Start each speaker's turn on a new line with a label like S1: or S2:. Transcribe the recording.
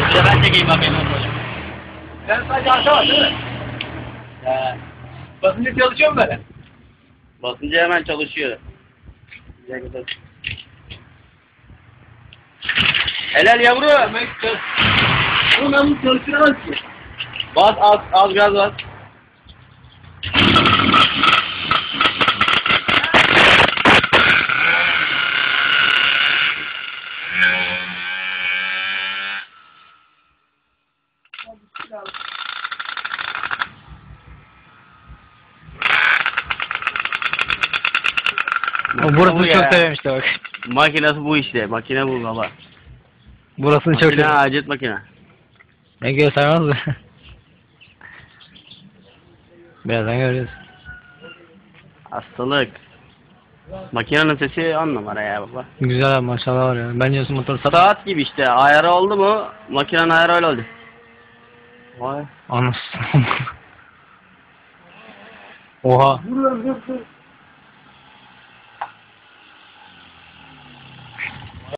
S1: Bir de ben çekeyim bakayım nasıl olacak.
S2: Sen sadece arka var değil mi? Basınca çalışıyor mu böyle?
S1: Basınca hemen çalışıyor. Güzel güzel. Helal yavru.
S2: Oğlum ben bunu çalıştıramaz ki.
S1: Bas az gaz bas.
S3: Burasını çok sevmişti bak.
S1: Makinesi bu işte. Makine bu baba.
S3: Burasını çok
S1: Makine
S3: sevmiş.
S1: acet makine.
S3: Ne göstermez mi? Birazdan göreceğiz.
S1: Hastalık. Makinenin sesi 10 numara ya baba.
S3: Güzel abi maşallah var ya. Bence şu motor sat.
S1: Saat gibi işte. Ayarı oldu mu? Makinenin ayarı öyle oldu. Vay.
S3: Anasını. Oha.
S2: Dur.